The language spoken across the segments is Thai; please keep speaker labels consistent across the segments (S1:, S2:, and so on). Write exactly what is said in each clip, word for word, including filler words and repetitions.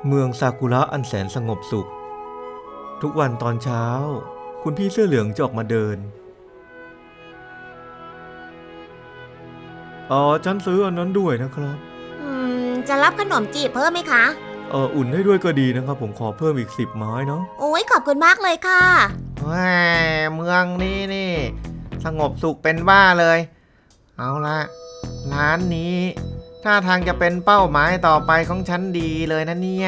S1: เมืองซากุระอันแสนสงบสุขทุกวันตอนเช้าคุณพี่เสื้อเหลืองจะออกมาเดินอ๋อฉันซื้ออันนั้นด้วยนะครับ
S2: อืมจะรับขนมจีบเพิ่มไหมคะ
S1: เอออุ่นให้ด้วยก็ดีนะครับผมขอเพิ่มอีกสิบไม้เนาะ
S2: โอ้ยขอบคุณมากเลยค่ะ
S3: ว้าเมืองนี้นี่สงบสุขเป็นบ้าเลยเอาละร้านนี้ท่าทางจะเป็นเป้าหมายต่อไปของฉันดีเลยนะเนี่ย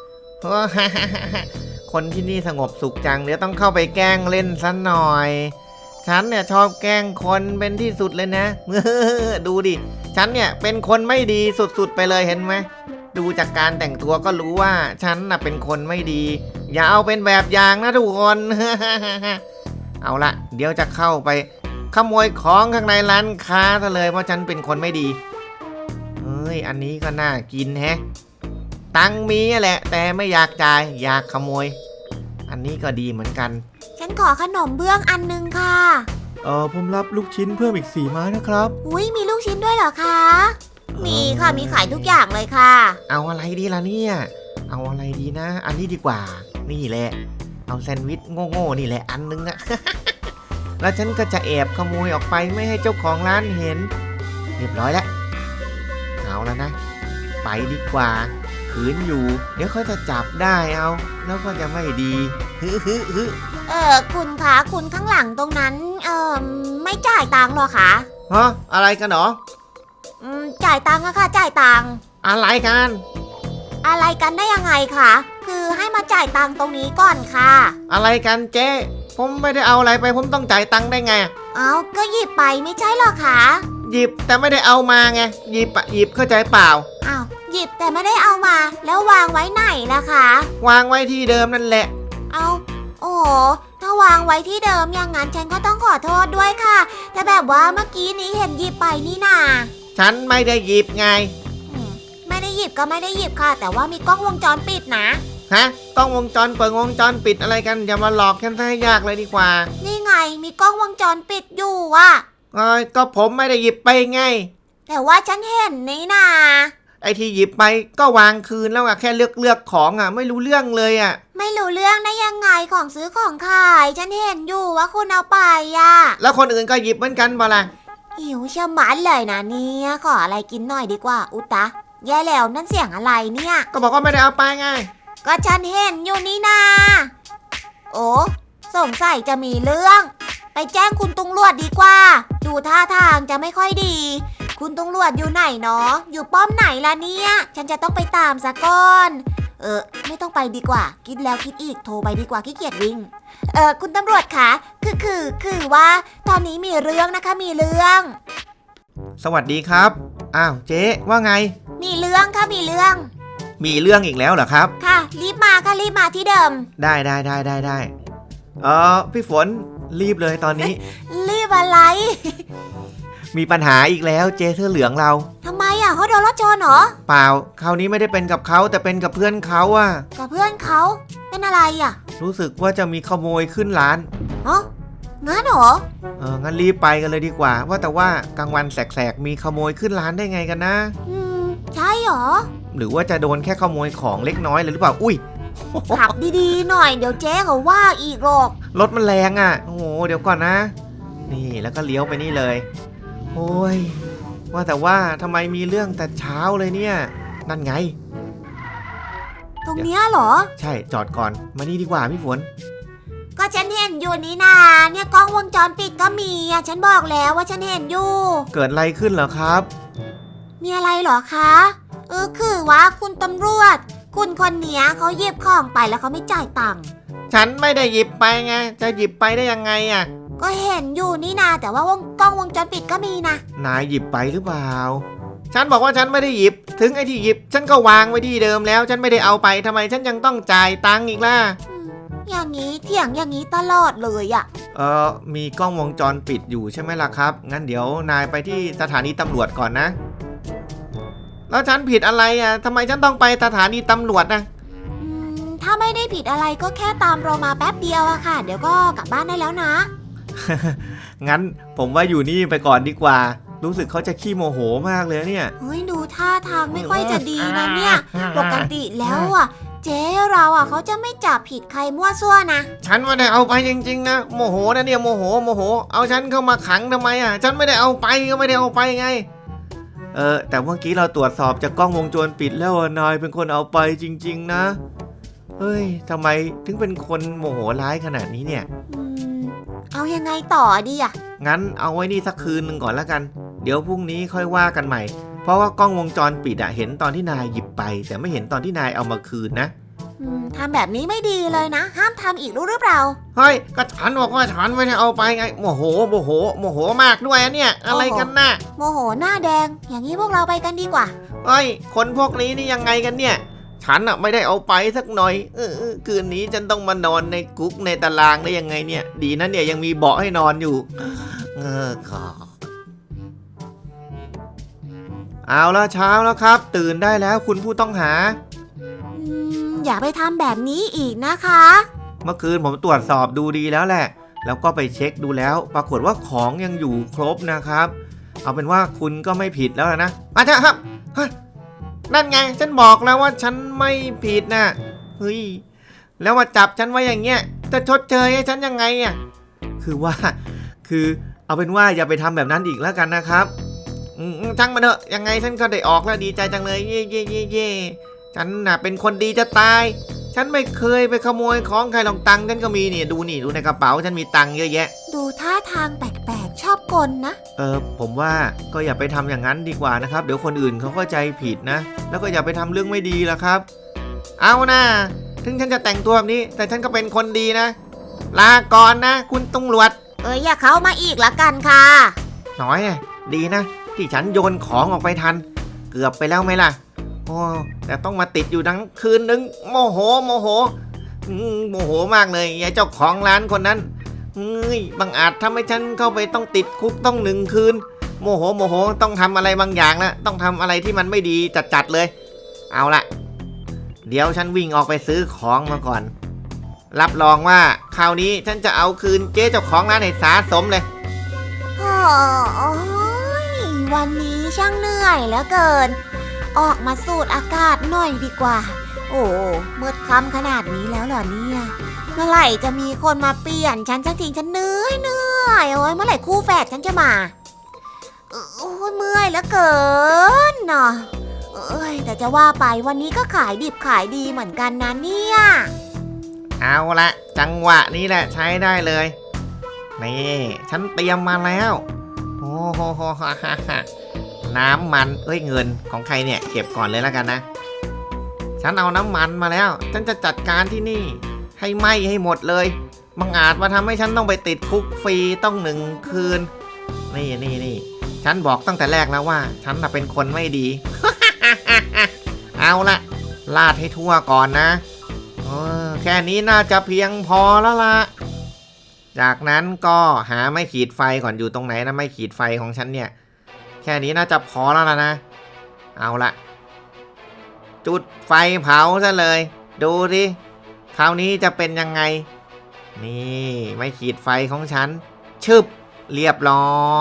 S3: คนที่นี่สงบสุขจังเดี๋ยวต้องเข้าไปแกล้งเล่นซะหน่อยฉันเนี่ยชอบแกล้งคนเป็นที่สุดเลยนะดูดิฉันเนี่ยเป็นคนไม่ดีสุดๆไปเลยเห็นไหมดูจากการแต่งตัวก็รู้ว่าฉันน่ะเป็นคนไม่ดีอย่าเอาเป็นแบบอย่างนะทุกคน เอาละเดี๋ยวจะเข้าไปขโมยของข้างในร้านค้าซะเลยเพราะฉันเป็นคนไม่ดีเฮ้ยอันนี้ก็น่ากินแฮะตังมีแหละแต่ไม่อยากจ่ายอยากขโมยอันนี้ก็ดีเหมือนกัน
S2: ฉันขอขนมเบื้องอันนึงค่ะ
S1: เออผมรับลูกชิ้นเพิ่มอีกสี่ไม้นะครับ
S2: อุ้ยมีลูกชิ้นด้วยเหรอคะมีค่ะมีขายทุกอย่างเลยค่ะ
S3: เอาอะไรดีล่ะเนี่ยเอาอะไรดีนะอันนี้ดีกว่านี่แหละเอาแซนด์วิชโง่ๆนี่แหละอันนึงอะ แล้วฉันก็จะแอบขโมยออกไปไม่ให้เจ้าของร้านเห็นเรียบร้อยแล้วเอาแล้วนะไปดีกว่าขืนอยู่เดี๋ยวเขาจะจับได้เอาแล้วก็จะไม่ดีฮึฮึฮึ
S2: เออคุณคะคุณข้างหลังตรงนั้นเออไม่จ่ายตังค์หรอคะ
S3: ฮะอะไรกันหรอ
S2: อืมจ่ายตังค์อะค่ะจ่ายตังค์
S3: อะไรกัน
S2: อะไรกันได้ยังไงคะคือให้มาจ่ายตังค์ตรงนี้ก่อนค่ะ
S3: อะไรกันเจ๊ผมไม่ได้เอาอะไรไปผมต้องจ่ายตังค์ได้ไง
S2: เอาก็หยิบไปไม่ใช่หรอคะ
S3: หยิบแต่ไม่ได้เอามาไงหยิบอะหยิบเข้าใจเปล่า
S2: อ้าวหยิบแต่ไม่ได้เอามาแล้ววางไว้ไหนล่ะคะ
S3: วางไว้ที่เดิมนั่นแหละ
S2: เอาโอ้ถ้าวางไว้ที่เดิมอย่างนั้นฉันก็ต้องขอโทษด้วยค่ะแต่แบบว่าเมื่อกี้นี้เห็นหยิบไปนี่นา
S3: ฉันไม่ได้หยิบไง
S2: ไม่ได้หยิบก็ไม่ได้หยิบค่ะแต่ว่ามีกล้องวงจรปิดนะ
S3: ฮะกล้องวงจรเปิดวงจรปิดอะไรกันอย่ามาหลอกฉันให้ยากเลยดีกว่า
S2: นี่ไงมีกล้องวงจรปิดอยู่อ่ะ
S3: เอ้ยก็ผมไม่ได้หยิบไปไง
S2: แต่ว่าฉันเห็นนี่นา
S3: ไอ้ที่หยิบไปก็วางคืนแล้วอะแค่เลือกเลือกของอะไม่รู้เรื่องเลยอะ
S2: ไม่รู้เรื่องได้ยังไงของซื้อของขายฉันเห็นอยู่ว่าคุณเอาไปอะ
S3: แล้วคนอื่นก็หยิบเหมือนกันบ่ล่ะ
S2: หิวชะมัดเลยนะเนี่ยขออะไรกินหน่อยดีกว่าอุตะแย่แล้วนั่นเสียงอะไรเนี่ย
S3: ก็บอกว่าไม่ได้เอาไปไง
S2: ก็ฉันเห็นอยู่นี่นาโอ้สงสัยจะมีเรื่องไปแจ้งคุณตำรวจดีกว่าดูท่าทางจะไม่ค่อยดีคุณตำรวจอยู่ไหนเนาะอยู่ป้อมไหนล่ะเนี่ยฉันจะต้องไปตามซะก่อนเออไม่ต้องไปดีกว่าคิดแล้วคิดอีกโทรไปดีกว่าขี้เกียจวิ่งเออคุณตำรวจคะคือคือคือว่าตอนนี้มีเรื่องนะคะมีเรื่อง
S3: สวัสดีครับอ้าวเจ๊ว่าไง
S2: มีเรื่องค่ะมีเรื่อง
S3: มีเรื่องอีกแล้วเหรอครับ
S2: ค่ะรีบมาค่ะรีบมาที่เดิม
S3: ได้ได้ได้ได้ได้เออพี่ฝนรีบเลยตอนนี้
S2: รีบอะไร
S3: มีปัญหาอีกแล้วเจ๊เสื้อเหลืองเรา
S2: ทำไมอ่ะเขาโดนรถชนเหรอ
S3: เปล่าคราวนี้ไม่ได้เป็นกับเขาแต่เป็นกับเพื่อนเขาอ่ะ
S2: กับเพื่อนเขาเป็นอะไรอ่ะ
S3: รู้สึกว่าจะมีขโมยขึ้นร้าน
S2: อ๋องั้นเหรอ
S3: เอองั้นรีบไปกันเลยดีกว่าว่าแต่ว่ากลางวันแสกๆมีขโมยขึ้นร้านได้ไงกันนะ
S2: อืมใช่เหรอ
S3: หรือว่าจะโดนแค่ขโมยของเล็กน้อยเลยหรือเปล่าอุ้ย
S2: ขับดีๆหน่อยเดี๋ยวเจ๊เขาว่าอีกหรอก
S3: รถมันแรงอ่ะโอ้โหเดี๋ยวก่อนนะนี่แล้วก็เลี้ยวไปนี่เลยโอ้ยว่าแต่ว่าทำไมมีเรื่องแต่เช้าเลยเนี่ยนั่นไง
S2: ตรงเนี้ยเหรอ
S3: ใช่จอดก่อนมานี่ดีกว่าพี่ฝน
S2: ก็ฉันเห็นอยู่นี่นาเนี่ยกล้องวงจรปิดก็มีอ่ะฉันบอกแล้วว่าฉันเห็นอยู่
S3: เกิดอะไรขึ้นเหรอครับ
S2: มีอะไรเหรอคะเออคือว่าคุณตำรวจคุณคนเนี้ยเขาหยิบของไปแล้วเขาไม่จ่ายตังค์
S3: ฉันไม่ได้หยิบไปไงจะหยิบไปได้ยังไงอ่ะ
S2: ก็เห็นอยู่นี่นาแต่ว่าวงกล้องวงจรปิดก็มีนะ
S3: นายหยิบไปหรือเปล่าฉันบอกว่าฉันไม่ได้หยิบถึงไอ้ที่หยิบฉันก็วางไว้ที่เดิมแล้วฉันไม่ได้เอาไปทำไมฉันยังต้องจ่ายตังค์อีกล่ะ
S2: อย่างนี้เถียงอย่างนี้ตลอดเลยอ่ะ
S3: เออมีกล้องวงจรปิดอยู่ใช่ไหมล่ะครับงั้นเดี๋ยวนายไปที่สถานีตำรวจก่อนนะแล้วฉันผิดอะไรอ่ะทำไมฉันต้องไปสถานีตำรวจนะ
S2: อืมถ้าไม่ได้ผิดอะไรก็แค่ตามเรามาแป๊บเดียวอะค่ะเดี๋ยวก็กลับบ้านได้แล้วนะ
S3: งั้นผมว่าอยู่นี่ไปก่อนดีกว่ารู้สึกเขาจะขี้โมโหมากเลยเนี่ย
S2: เฮ้ยดูท่าทางไม่ค่อยจะดีนะเนี่ยปกติแล้วอ่ะเจ๊เราอ่ะเขาจะไม่จับผิดใครมั่วซั่วนะ
S3: ฉันไม่ได้เอาไปจริงๆนะโมโหนะเนี่ยโมโหโมโหเอาฉันเข้ามาขังทำไมอ่ะฉันไม่ได้เอาไปก็ไม่ได้เอาไปไงเออแต่เมื่อกี้เราตรวจสอบจากกล้องวงจรปิดแล้วนายเป็นคนเอาไปจริงๆนะเฮ้ยทำไมถึงเป็นคนโมโหร้ายขนาดนี้เนี่ย
S2: อืมเอายังไงต่อดีอ่ะ
S3: งั้นเอาไว้นี่สักคืนหนึ่งก่อนแล้วกันเดี๋ยวพรุ่งนี้ค่อยว่ากันใหม่เพราะว่ากล้องวงจรปิดอะเห็นตอนที่นายหยิบไปแต่ไม่เห็นตอนที่นายเอามาคืนนะ
S2: อืมทำแบบนี้ไม่ดีเลยนะ ห้ามทำอีกรู้หรือเปล่า
S3: เฮ้ยก็ฉันบอกว่าฉันไม่ได้เอาไปไงโมโหโมโหโมโหมากด้วยอะเนี่ยอะไรกันนะ
S2: โมโหหน้าแดง อย่างนี้พวกเราไปกันดีกว่า
S3: เฮ้ยคนพวกนี้นี่ยังไงกันเนี่ยฉันอะไม่ได้เอาไปสักหน่อยเออเออคืนนี้ฉันต้องมานอนในคุกในตารางได้ยังไงเนี่ยดีนะเนี่ยยังมีเบาะให้นอนอยู่เออขอเอาละเช้าแล้วครับ ตื่นได้แล้วคุณผู้ต้องหา
S2: อืมอย่าไปทำแบบนี้อีกนะคะ
S3: เมื่อคืนผมตรวจสอบดูดีแล้วแหละ แล้วก็ไปเช็คดูแล้ว ปรากฏว่าของยังอยู่ครบนะครับ เอาเป็นว่าคุณก็ไม่ผิดแล้วนะมาเถอะครับเฮ้ยนั่นไงฉันบอกแล้วว่าฉันไม่ผิดนะเฮ้ยแล้วมาจับฉันไว้อย่างเงี้ยจะชดเชยให้ฉันยังไงอ่ะคือว่าคือเอาเป็นว่าอย่าไปทำแบบนั้นอีกแล้วกันนะครับอืมช่างมันเถอะยังไงฉันก็ได้ออกแล้วดีใจจังเลยเย่เย่เย่เย่ฉันน่ะเป็นคนดีจะตายฉันไม่เคยไปขโมยของใครลองตังค์ฉันก็มีนี่ดูนี่ดูในกระเป๋าฉันมีตังค์เยอะแยะ
S2: ดูท่าทางแปลกๆชอบกลนะ
S3: เออผมว่าก็อย่าไปทำอย่างนั้นดีกว่านะครับเดี๋ยวคนอื่นเขาเข้าใจผิดนะแล้วก็อย่าไปทำเรื่องไม่ดีละครับเอานะถึงฉันจะแต่งตัวแบบนี้แต่ฉันก็เป็นคนดีนะลาก่อนนะคุณตำรวจ
S2: เอ้ยอย่าเข้ามาอีกละกันค่ะ
S3: น้อยอะดีนะที่ฉันโยนของออกไปทันเกือบไปแล้วไหมล่ะโอ้แต่ต้องมาติดอยู่ทั้งคืนนึงโมโหโมโหอืมโมโหมากเลยยายเจ้าของร้านคนนั้นเฮ้ยบังอาจทำให้ฉันเข้าไปต้องติดคุกต้องหนึ่งคืนโมโหโมโหต้องทำอะไรบางอย่างแล้วต้องทำอะไรที่มันไม่ดีจัดๆเลยเอาละเดี๋ยวฉันวิ่งออกไปซื้อของมาก่อนรับรองว่าคราวนี้ฉันจะเอาคืนเจ๊เจ้าของร้านให้สาสมเลย
S2: โอ้ยวันนี้ช่างเหนื่อยเหลือเกิน ออกมาสูดอากาศหน่อยดีกว่า โอ้มืดค่ำขนาดนี้แล้วเหรอเนี่ยเมื่อไหร่จะมีคนมาเปลี่ยนฉันสักทีฉันเหนื่อยเหนื่อยโอ้ยเมื่อไหร่คู่แฝดฉันจะมาโอ้ยเมื่อยเหลือเกินเนาะเอ้ยแต่จะว่าไปวันนี้ก็ขายดิบขายดีเหมือนกันนะเนี่ย
S3: เอาละจังหวะนี้แหละใช้ได้เลยนี่ฉันเตรียมมาแล้วโอ้โหโหฮ่าฮ่าฮ่าน้ำมันเอ้ยเงินของใครเนี่ยเก็บก่อนเลยแล้วกันนะฉันเอาน้ำมันมาแล้วฉันจะจัดการที่นี่ให้ไหม้ให้หมดเลยบังอาจมาทำให้ฉันต้องไปติดคุกฟรีต้องหนึ่งคืนนี่นี่นี่ฉันบอกตั้งแต่แรกแล้วว่าฉันน่ะเป็นคนไม่ดี เอาละลาดให้ทั่วก่อนนะเออแค่นี้น่าจะเพียงพอแล้วล่ะจากนั้นก็หาไม้ขีดไฟก่อนอยู่ตรงไหนนะไม้ขีดไฟของฉันเนี่ยแค่นี้น่าจะพอแล้วล่ะนะเอาละจุดไฟเผาซะเลยดูดิคราวนี้จะเป็นยังไงนี่ไม้ขีดไฟของฉันชึบเรียบร้อย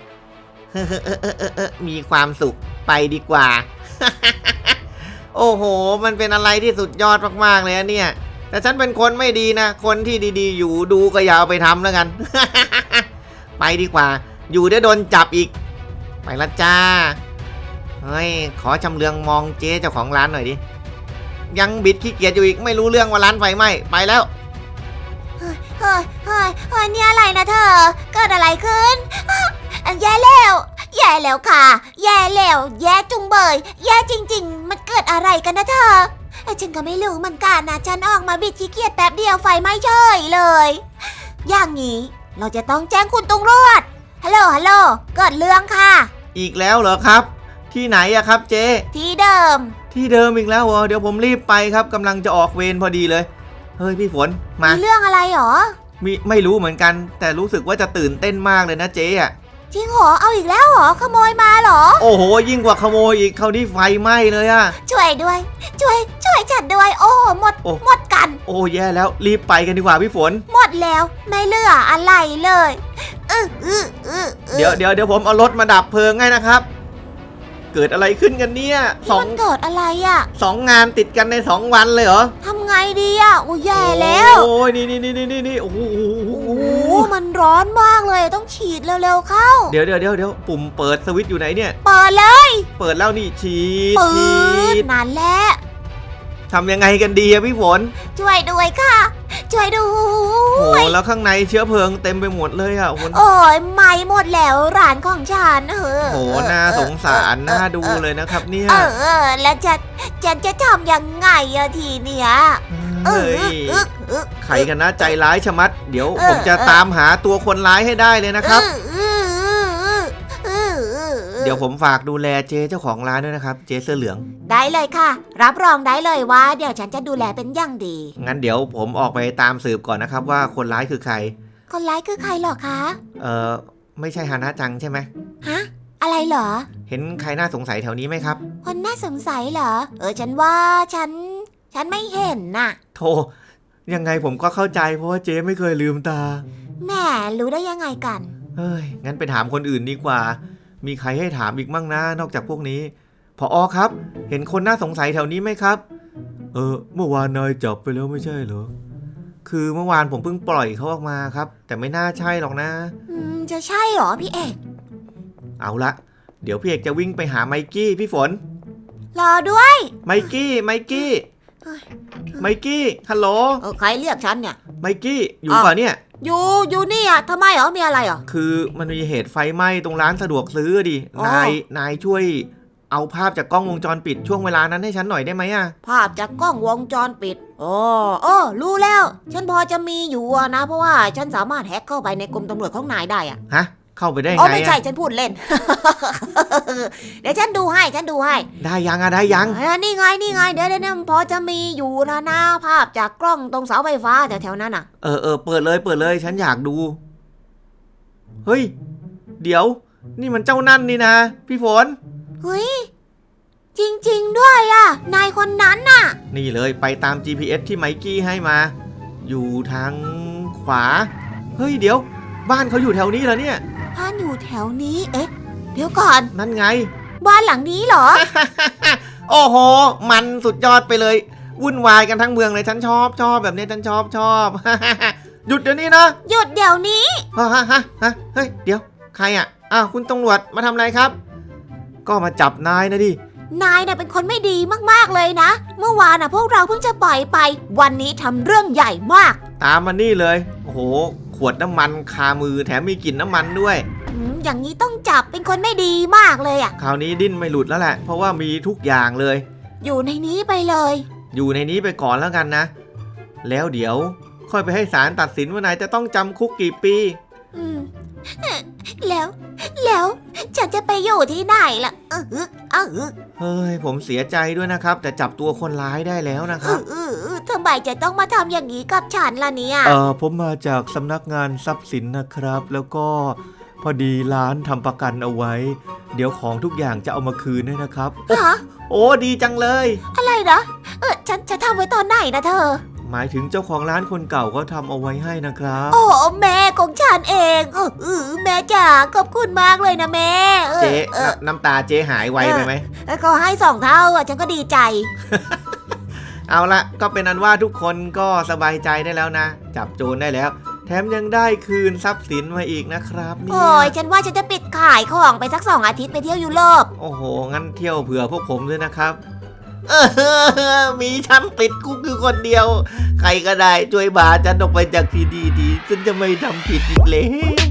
S3: มีความสุขไปดีกว่า โอ้โหมันเป็นอะไรที่สุดยอดมากๆเลยเนี่ยแต่ฉันเป็นคนไม่ดีนะคนที่ดีๆอยู่ดูก็อย่าเอาไปทำแล้วกัน ไปดีกว่าอยู่ได้โดนจับอีกไปละจ้าเฮ้ยขอชำเลืองมองเจ๊เจ้าของร้านหน่อยดิยังบิดขี้เกียจอยู่อีกไม่รู้เรื่องว่าร้านไฟไหม้ไปแล้ว
S2: เฮ้ยเฮ้ยเฮ้ยเฮ้ยนี่อะไรนะเธอเกิดอะไรขึ้นอ่ะแย่แล้วแย่แล้วค่ะแย่แล้วแย่จุงเบยแย่จริงๆมันเกิดอะไรกันนะเธอเอ้ยฉันก็ไม่รู้เหมือนกันนะฉันออกมาบิดขี้เกียจแป๊บเดียวไฟไหม้เฉยเลยอย่างนี้เราจะต้องแจ้งคุณตำรวจฮัลโหลฮัลโหลเกิดเรื่องค่ะ
S3: อีกแล้วเหรอครับที่ไหนอะครับเจ๊
S2: ที่เดิม
S3: ที่เดิมอีกแล้วเหรอเดี๋ยวผมรีบไปครับกำลังจะออกเวรพอดีเลยเฮ้ยพี่ฝนมา
S2: มีเรื่องอะไรหรอ
S3: มีไม่รู้เหมือนกันแต่รู้สึกว่าจะตื่นเต้นมากเลยนะเจ๊อะ
S2: จริงเหรอเอาอีกแล้วเหรอขโมยมาเหรอ
S3: โอ้โหยิ่งกว่าขโมยอีกคราวนี้ไฟไหม้เลยอะ
S2: ช่วยด้วย ช่วยช่วยฉันด้วยโอ้หมด
S3: โอ้
S2: หมดกัน
S3: โอ้แย่แล้วรีบไปกันดีกว่าพี่ฝน
S2: หมดแล้วไม่เหลืออะไรเลยอืออืออือ
S3: เดี๋ยวเดี๋ยวเดี๋ยวผมเอารถมาดับเพลิงให้นะครับเกิดอะไรขึ้นกันเนี่ยส
S2: นี่
S3: อง
S2: มันเกิดอะไรอ่ะ
S3: สองงานติดกันในสองวันเลยเหรอ
S2: ทำไงดีอ่ะโอ้แย่แล้ว
S3: โอ้ยนี่นี่นี่นี่นี่โอ้โห
S2: โอ้โหมันร้อนมากเลยต้องฉีดเร็วๆเข้า
S3: เดี๋ยวเดี๋ยวเดี๋ยวเดี๋ยวปุ่มเปิดสวิตช์อยู่ไหนเนี่ย
S2: เปิดเลย
S3: เปิดแล้วนี่ฉีด
S2: ปื
S3: ฉี
S2: ด
S3: ด
S2: นั่นแหละ
S3: ทำยังไงกันดีอะพี่ฝน
S2: ช่วยด้วยค่ะ ช่วยด้
S3: โอ้
S2: วย
S3: แล้วข้างในเชื้อเพลิงเต็มไปหมดเลยอะคุณ
S2: โอ้ยไหม้หมดแล้วร้านของฉันเออ
S3: โอ้น่าสงสารน่าดูเลยนะครับเนี่ย
S2: เออเออแล้วจะฉันจะทำยังไงอะทีเนี้ยเอ
S3: เฮ้
S2: อย เออเออ
S3: ใครกันนะใจร้ายชะมัด เดี๋ยว
S2: เออ
S3: ผมจะ
S2: เออ
S3: ตามหาตัวคนร้ายให้ได้เลยนะครับ
S2: เออเออเออเออ
S3: เดี๋ยวผมฝากดูแลเจ๊เจ้าของร้านด้วยนะครับ เจ๊เสื้อเหลือง
S2: ได้เลยค่ะ รับรองได้เลยว่า เดี๋ยวฉันจะดูแลเป็นอย่างดี
S3: งั้นเดี๋ยวผมออกไปตามสืบก่อนนะครับว่าคนร้ายคือใคร
S2: คนร้ายคือใครเหรอคะ
S3: เออไม่ใช่ฮานะจังใช่ไหม
S2: ฮะอะไรเหรอ
S3: เห็นใครน่าสงสัยแถวนี้ไหมครับ
S2: คนน่าสงสัยเหรอ เออฉันว่าฉัน ฉันไม่เห็นน่ะ
S3: โธ่ยังไงผมก็เข้าใจเพราะว่าเจ๊ไม่เคยลืมตา
S2: แหมรู้ได้ยังไงกัน
S3: เฮ้ย งั้นไปถามคนอื่นดีกว่า มีใครให้ถามอีกมั่งนะนอกจากพวกนี้ผอครับ เห็นคนน่าสงสัยแถวนี้ไหมครับ เออ เมื่อวานนายจับไปแล้วไม่ใช่เหรอ คือเมื่อวานผมเพิ่งปล่อยเขาออกมาครับ แต่ไม่น่าใช่หรอกนะ
S2: อืมจะใช่เหรอพี่เอก
S3: เอาละ เดี๋ยวพี่เอกจะวิ่งไปหาไมกี้พี่ฝน
S2: รอด้วย
S3: ไมกี้ไมกี้
S2: เฮ้ย
S3: ไมกี้ฮัลโหล
S2: เออใครเรียกฉันเนี่ย
S3: ไมกี้อยู่เปล่าเนี่ย
S2: อยู่อยู่นี่อ่ะทำไมเหรอมีอะไรเหรอ
S3: คือมันมีเหตุไฟไหม้ตรงร้านสะดวกซื้อดิ
S2: อ๋อ
S3: นายนายช่วยเอาภาพจากกล้องวงจรปิดช่วงเวลานั้นให้ฉันหน่อยได้ไหมอะ
S2: ภาพจากกล้องวงจรปิดโอ้โอ้รู้แล้ว ฉันพอจะมีอยู่อะนะ เพราะว่าฉันสามารถแฮ็กเข้าไปในกรมตำรวจของนายได้อะ
S3: ฮะ เข้าไปได้
S2: อ๋อ
S3: ไง
S2: ไม่ใช่
S3: อะ
S2: ฉันพูดเล่น เดี๋ยวฉันดูให้ฉันดูให้
S3: ได้ยังอะได้ยัง
S2: เออนี่ไงนี่ไงเดี๋ยวเดี๋ยวเดี๋ยวพอจะมีอยู่นะนะภาพจากกล้องตรงเสาไฟฟ้าแถวๆนั้นอ่ะ
S3: เออเออเปิดเลยเปิดเลยฉันอยากดู เฮ้ย เดี๋ยว นี่มันเจ้านั่นนี่นะ พี่ฝน
S2: เฮ้ยจริงๆด้วยอ่ะนายคนนั้นน่ะ
S3: นี่เลยไปตาม จี พี เอส ที่ไมกี้ให้มา อยู่ทางขวา เฮ้ยเดี๋ยว บ้านเขาอยู่แถวนี้เหรอเนี่ย
S2: บ้านอยู่แถวนี้เอ๊ะเดี๋ยวก่อน
S3: นั่นไง
S2: บ้านหลังนี้เหรอ
S3: โอ้โห มันสุดยอดไปเลย วุ่นวายกันทั้งเมืองเลยฉันชอบชอบแบบนี้ฉันชอบชอบ หยุดเดี๋ยวนี้นะ
S2: หยุดเดี๋ยวนี้
S3: ฮะฮะฮะฮะเฮ้ยเดี๋ยวใครอ่ะอ้าวคุณตำรวจมาทำอะไรครับ ก็มาจับนายนะดิ
S2: นายน่ะเป็นคนไม่ดีมากๆเลยนะ เมื่อวานน่ะพวกเราเพิ่งจะปล่อยไป วันนี้ทำเรื่องใหญ่มาก
S3: ตามมานี่เลย โอ้โห ขวดน้ำมันคามือแถมมีกลิ่นน้ำมันด้วย
S2: อืมอย่างนี้ต้องจับเป็นคนไม่ดีมากเลยอ่ะ
S3: คราวนี้ดิ้นไม่หลุดแล้วแหละ เพราะว่ามีทุกอย่างเลย
S2: อยู่ในนี้ไปเลย
S3: อยู่ในนี้ไปก่อนแล้วกันนะ แล้วเดี๋ยว ค่อยไปให้ศาลตัดสินว่านายจะต้องจำคุกกี่ปี
S2: อืมแล้ว แล้วฉันจะไปอยู่ที่ไหนล่ะเออเออเออ
S3: เฮ้ย ผมเสียใจด้วยนะครับ แต่จับตัวคนร้ายได้แล้วนะค
S2: เอ
S3: รับ
S2: อเออเออทำไมจะต้องมาทำอย่างนี้กับฉันล่ะเนี่ย
S1: เออผมมาจากสำนักงานทรัพย์สินนะครับ แล้วก็พอดีร้านทำประกันเอาไว้ เดี๋ยวของทุกอย่างจะเอามาคืนให้นะครับ
S2: ฮะ
S3: โอ้ดีจังเลย
S2: อะไรนะเออฉันจะทำไว้ตอนไหนนะเธอ
S1: หมายถึงเจ้าของร้านคนเก่าเขาทำเอาไว้ให้นะครับ
S2: โอ้แม่ของฉันเองเออเออแม่จ๋าขอบคุณมากเลยนะแม่เออ
S3: เจ๊
S2: เออ
S3: น้ำตาเจ๊หายไวไปไหม
S2: แล้วก็ให้สองเท่าอ่ะฉันก็ดีใจ
S3: เอาละก็เป็นอันว่าทุกคนก็สบายใจได้แล้วนะ จับโจรได้แล้ว แถมยังได้คืนทรัพย์สินมาอีกนะครับเนี่
S2: โอ้ย
S3: ย
S2: ฉันว่าฉันจะปิดขายของไปสักสองอาทิตย์ไปเที่ยวยุโรป
S3: โอ้โห งั้นเที่ยวเผื่อพวกผมด้วยนะครับเออมีฉันติดคุกอยู่คนเดียว ใครก็ได้ช่วยบาฉันออกไปจากที่ดีดีฉันจะไม่ทำผิดอีกแล้ว